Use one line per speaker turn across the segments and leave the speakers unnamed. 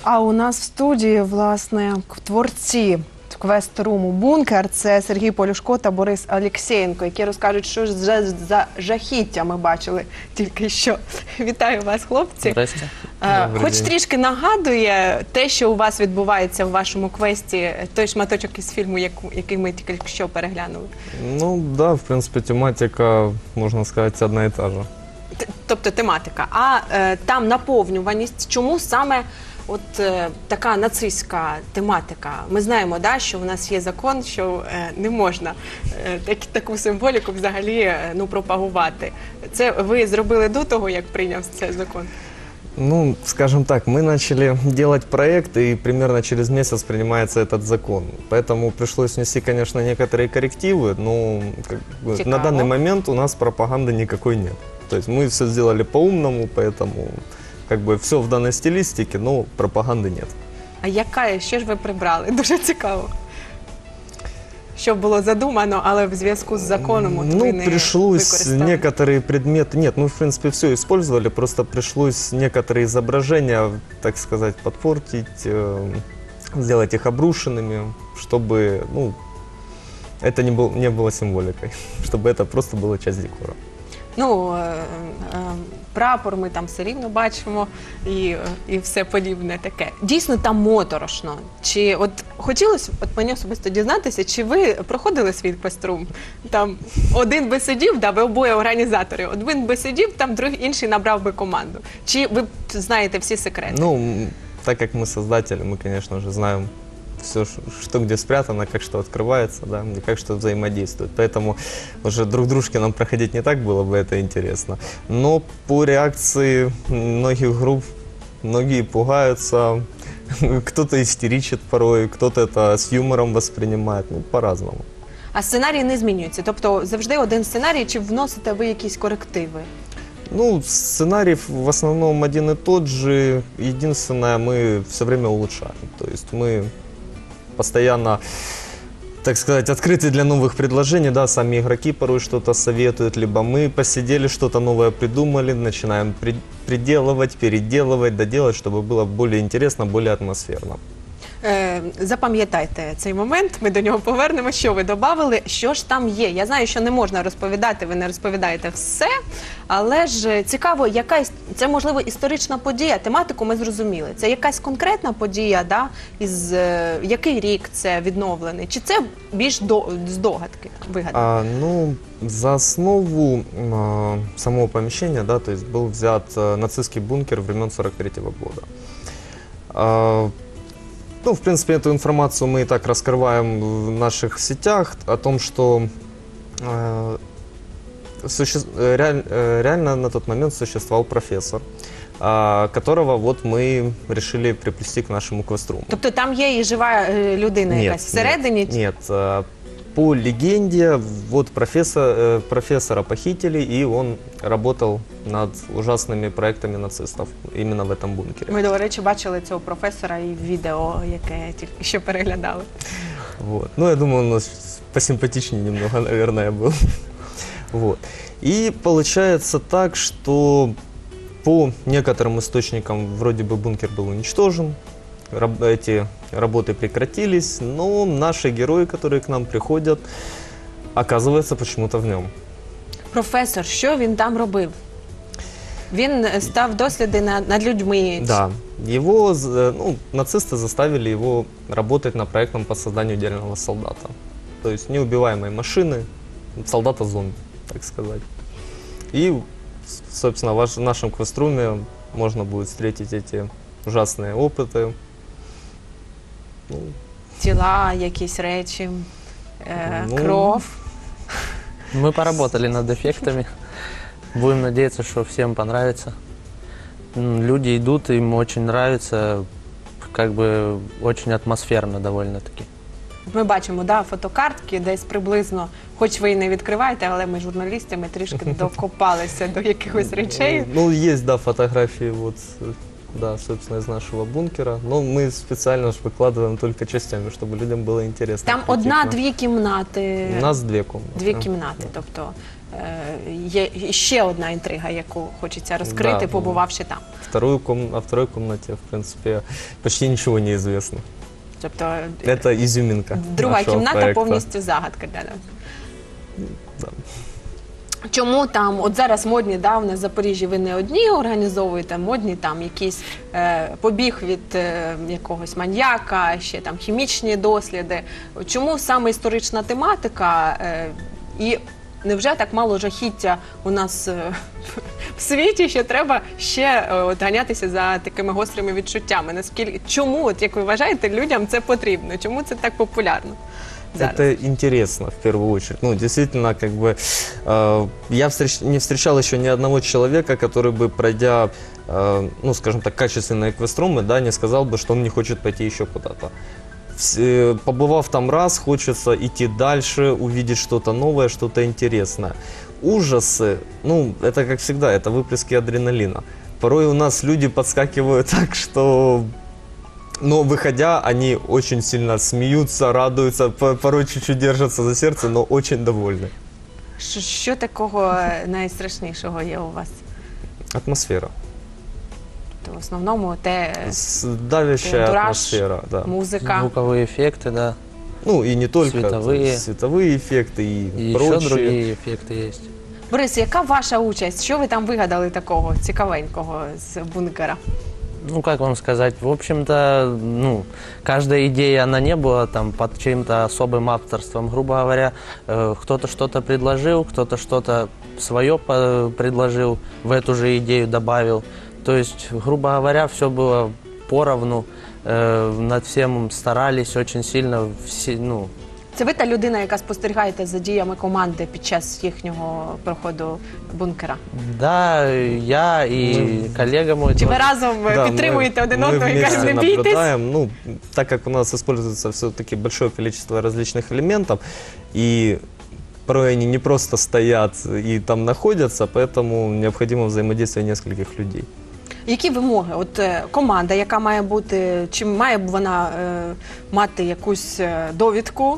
А у нас в студії, власне, творці квест-руму «Бункер» – це Сергій Полюшко та Борис Алєксєєнко, які розкажуть, що ж за жахіття ми бачили тільки що. Вітаю вас, хлопці.
Здрасте.
Хоч трішки нагадує те, що у вас відбувається в вашому квесті, той шматочок із фільму, який ми тільки що переглянули?
Ну да, в принципе, тематика, можно сказать, одна и та же.
Тобто тематика. А там наповнюваність, чому саме от така нацистська тематика? Ми знаємо, да, що у нас є закон, що не можна таку символіку взагалі пропагувати. Це ви зробили до того, як прийняв цей закон?
Ну, скажем так, мы начали делать проект, и примерно через месяц принимается этот закон. Поэтому пришлось внести, конечно, некоторые коррективы, но на данный момент у нас пропаганды никакой нет. То есть мы все сделали по-умному, поэтому все в данной стилистике, но пропаганды нет.
А що ж ви прибрали? Дуже цікаво. Що було задумано, але в зв'язку з законом ви не використали?
Пришлось некоторые предметы, нет, мы в принципе все использовали, просто пришлось некоторые изображения, так сказать, подпортить, сделать их обрушенными, чтобы, это не было символикой, чтобы это просто была часть декора.
Прапор ми там все рівно бачимо і все подібне таке. Дійсно там моторошно. Чи хотілося мені особисто дізнатися, чи ви проходили свій квест-рум? Там один би сидів, ви обоє організатори, один би сидів, там інший набрав би команду. Чи ви знаєте всі секрети?
Так как мы создатели, мы, конечно же, знаем все, что где спрятано, как что открывается, да, и как что взаимодействует. Поэтому уже друг дружке нам проходить не так было бы это интересно. Но по реакции многих групп, многие пугаются, кто-то истеричит порой, кто-то это с юмором воспринимает, по-разному.
А сценарій не змінюється? Тобто завжди один сценарій, чи вносите ви якісь корективи?
Сценарий в основном один и тот же. Единственное, мы все время улучшаем. То есть мы постоянно, так сказать, открыты для новых предложений, да, сами игроки порой что-то советуют, либо мы посидели, что-то новое придумали, начинаем приделывать, переделывать, доделать, чтобы было более интересно, более атмосферно.
Запам'ятайте цей момент, ми до нього повернемо. Що ви додали, що ж там є? Я знаю, що не можна розповідати, ви не розповідаєте все, але ж цікаво, це, можливо, історична подія, тематику ми зрозуміли. Це якась конкретна подія, да? Який рік це відновлений? Чи це більш здогадки, вигадки?
За основу самого помещения, да, то есть был взят нацистский бункер времен 43-го года. В принципе, эту информацию мы и так раскрываем в наших сетях, о том, что реально на тот момент существовал профессор, которого мы решили приплести к нашему квест-руму.
Тобто там є і жива людина якась всередині?
Нет. По легенде, профессора похитили, и он работал над ужасными проектами нацистов именно в этом бункере.
Ми, до речі, бачили цього професора і в відео, яке тільки що переглядали.
Я думаю, он у нас посимпатичнее немного, наверное, был. И получается так, что по некоторым источникам вроде бы бункер был уничтожен, эти работы прекратились, но наши герои, которые к нам приходят, оказываются почему-то в нем.
Професор, що він там робив? Він став досліди над людьми?
Да. Нацисты заставили его работать над проектом по созданию идеального солдата. То есть неубиваемой машины, солдата-зомби, так сказать. И, собственно, в нашем квест-руме можно будет встретить эти ужасные опыты.
Тіла, якісь речі, кров.
Мы поработали над эффектами. Будем надеяться, что всем понравится. Люди идут, им очень нравится, очень атмосферно довольно-таки.
Ми бачимо, фотокартки десь приблизно, хоч ви і не відкриваєте, але ми журналістами трішки докопалися до якихось речей.
Есть, фотографии да, собственно, из нашего бункера. Но мы специально ж выкладываем только частями, чтобы людям было интересно.
Там
прийти к нам.
одна-дві кімнати.
У нас 2 комнаты.
Дві кімнати, тобто є ще одна інтрига, яку хочеться розкрити,
Да.
побувавши там.
О второй комнате, в принципе, почти ничего не известно.
Тобто
Это изюминка
друга
нашего
кімната
проекта.
повністю загадка для нас.
Да.
Чому там, от зараз модні, да, в нас в Запоріжжі ви не одні організовуєте, модні там якийсь побіг від якогось маньяка, ще там хімічні досліди. Чому саме історична тематика і невже так мало жахіття у нас в світі, що треба ще от, ганятися за такими гострими відчуттями? Наскільки, чому, от, як ви вважаєте, людям це потрібно? Чому це так популярно зараз?
Это интересно, в первую очередь. Ну, действительно, как бы, я не встречал еще ни одного человека, который бы, пройдя, ну, скажем так, качественные эквеструмы, да, не сказал бы, что он не хочет пойти еще куда-то. Побывав там раз, хочется идти дальше, увидеть что-то новое, что-то интересное. Ужасы, ну, это как всегда, это выплески адреналина. Порой у нас люди подскакивают так, что... Но выходя, они очень сильно смеются, радуются, порой чуть-чуть держатся за сердце, но очень довольны.
Що такого найстрашнішого є у вас?
Атмосфера.
То в основному те
Давящая
антураж,
атмосфера, да.
музика.
Звуковые эффекты, да.
Ну и не только.
Световые.
Световые эффекты
И
и
еще
прочие.
другие эффекты есть.
Борис, яка ваша участь? Що ви там вигадали такого цікавенького з бункера?
Ну, как вам сказать, в общем-то, ну, каждая идея, она не была там под чьим-то особым авторством. Грубо говоря, кто-то что-то предложил, кто-то что-то свое предложил, в эту же идею добавил. То есть, грубо говоря, все было поровну, над всем старались очень сильно, ну,
Це ви та людина, яка спостерігаєте за діями команди під час їхнього проходу бункера?
да, я и коллега мой
Чи ви
тоже.
разом
Да,
підтримуєте один
мы
одного і
вместе
кажете, не бійтесь?
наблюдаем. Ну, так как у нас используется все-таки большое количество различных элементов, и порой они не просто стоят и там находятся, поэтому необходимо взаимодействие нескольких людей.
Які вимоги? От команда, яка має бути, чи має вона мати якусь довідку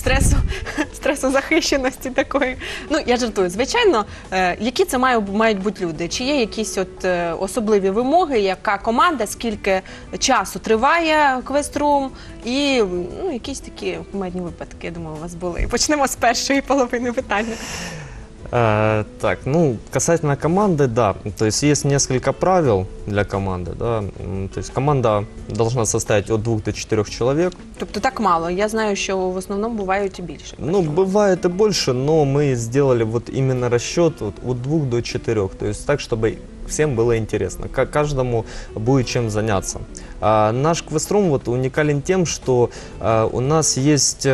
стресозахищеності такої? Ну, я жартую. Звичайно, які це мають бути люди? Чи є якісь от особливі вимоги, яка команда, скільки часу триває квеструм і ну, якісь такі кумедні випадки, я думаю, у вас були. Почнемо з першої половини питання.
Так, ну, касательно команды, да, то есть есть несколько правил для команды, да, то есть команда должна состоять от 2 до 4 человек.
Тобто так мало. Я знаю, що в основному бувають і більше.
Ну, бывает и больше, но мы сделали вот именно расчет вот от 2 до 4, то есть так, чтобы всем было интересно, каждому будет чем заняться. Наш квеструм вот уникален тем, что у нас есть...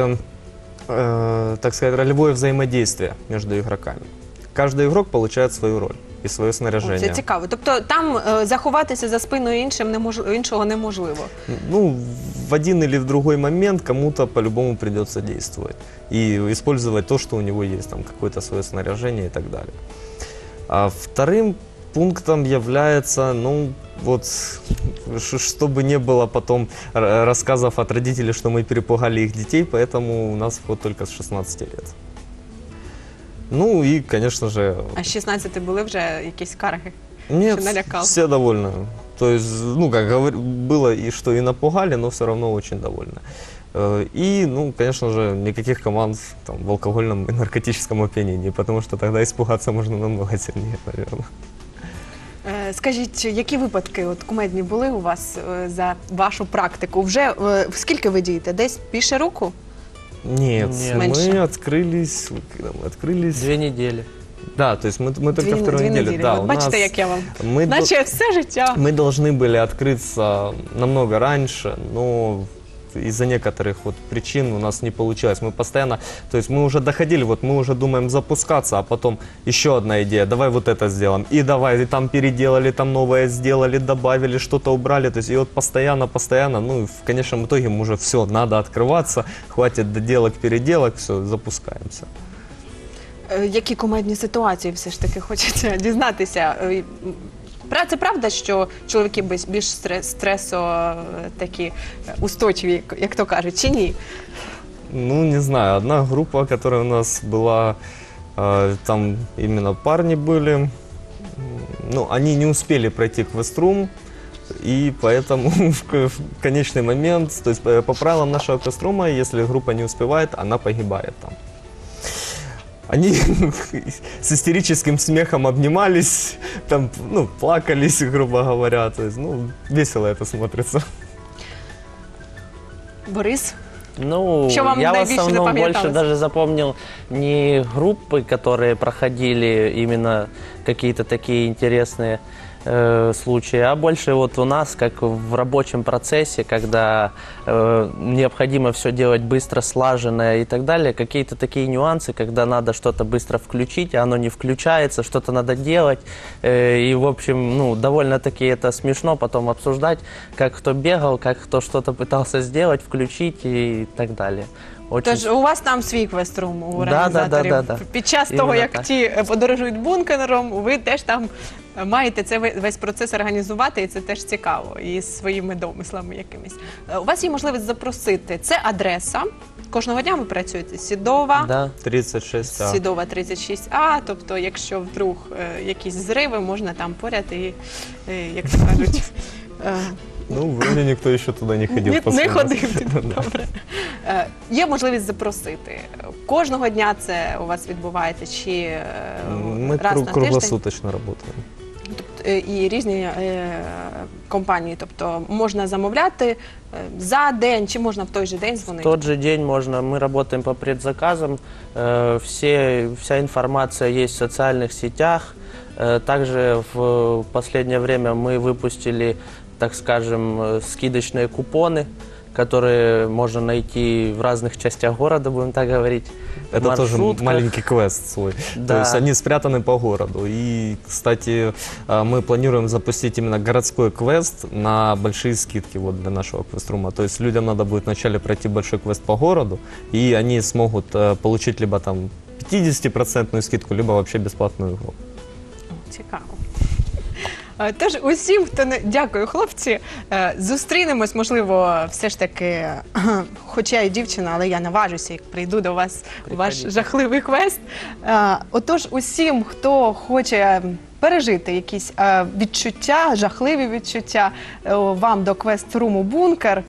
так сказать, ролевое взаимодействие между игроками. Каждый игрок получает свою роль и свое снаряжение.
Це цікаво. Тобто там заховатися за спиною іншого неможливо.
Ну, в один или в другой момент кому-то по-любому придется действовать и использовать то, что у него есть, там какое-то свое снаряжение и так далее. А вторым пунктом является, ну, вот, чтобы не было потом рассказов от родителей, что мы перепугали их детей, поэтому у нас вход только с 16 лет. Ну и, конечно же...
А з 16 були вже якісь скарги?
Нет,
Что налякал?
все довольны. То есть, ну, как было и что и напугали, но все равно очень довольны. И, ну, конечно же, никаких команд там, в алкогольном и наркотическом опьянении, потому что тогда испугаться можно намного сильнее, наверное.
Скажіть, які випадки от, кумедні були у вас за вашу практику? Вже скільки ви дієте? Десь більше року?
Нет,
Нет.
мы
Меньше.
открылись, когда мы открылись...
2 недели.
Да, то есть мы только вторую
дві
неделю.
неділі.
Да,
От
у
бачите,
нас-
як я вам.
мы,
Наче все життя.
мы должны были открыться намного раньше, но из-за некоторых вот причин у нас не получилось. Мы постоянно, то есть мы уже доходили, вот мы уже думаем запускаться, а потом еще одна идея, давай вот это сделаем, и давай, и там переделали, там новое сделали, добавили, что-то убрали, то есть и вот постоянно, ну и в конечном итоге мы уже все, надо открываться, хватит доделок, переделок, все, запускаемся.
Які кумедні ситуації все ж таки хочеться дізнатися? Це правда, що чоловіки більш стресо такі устойчиві, як то кажуть, чи ні?
Ну, не знаю, одна группа, которая у нас была, там именно парни были, ну, они не успели пройти квест-рум, и поэтому в конечный момент, то есть по правилам нашего квест-рума, если группа не успевает, она погибает там. Они с истерическим смехом обнимались, там, ну, плакались, грубо говоря, то есть, ну, весело это смотрится.
Борис?
Ну,
Что вам
я в
наибольше
основном
запомнилось?
больше даже запомнил не группы, которые проходили именно какие-то такие интересные случаи, а больше вот у нас, как в рабочем процессе, когда необходимо все делать быстро, слаженно и так далее, какие-то такие нюансы, когда надо что-то быстро включить, а оно не включается, что-то надо делать, и, в общем, ну, довольно-таки это смешно потом обсуждать, как кто бегал, как кто что-то пытался сделать, включить и так далее. Очень...
Тож у вас там свій квест-рум у
Да,
організаторів.
да.
Під час
Іменно
того, як
так.
ті подорожують бункером, ви теж там маєте це весь процес організувати, і це теж цікаво, і з своїми домислами якимись. У вас є можливість запросити. Це адреса. Кожного дня ви працюєте. Сідова,
Да.
36
Сідова 36А, тобто якщо вдруг якісь зриви, можна там поряд і, як то кажуть,
Ну, вроде никто еще туда не ходил.
не
после нас.
ходив. Добре. Є можливість запросити. Кожного дня це у вас відбувається чи
Мы
раз на тиждень?
круглосуточно работаем.
Тобто, і різні компанії. Тобто можна замовляти за день, чи можна в той же день
В
дзвонити?
тот же день можно, мы работаем по предзаказам, вся информация есть в социальных сетях. Также в последнее время мы выпустили, так скажем, скидочные купоны, которые можно найти в разных частях города, будем так говорить. в
Это тоже
маршрутках.
маленький квест свой.
Да.
То есть они спрятаны по городу. И, кстати, мы планируем запустить именно городской квест на большие скидки вот для нашего квест-рума. То есть людям надо будет вначале пройти большой квест по городу, и они смогут получить либо там 50% скидку, либо вообще бесплатную игру.
Цікаво. Тож усім, хто не дякую, хлопці. Зустрінемось, можливо, все ж таки, хоча і дівчина, але я наважуся, як прийду до вас у ваш
Приходіть.
жахливий квест. Отож, усім, хто хоче пережити якісь відчуття, жахливі відчуття, вам до квест-руму «Бункер»,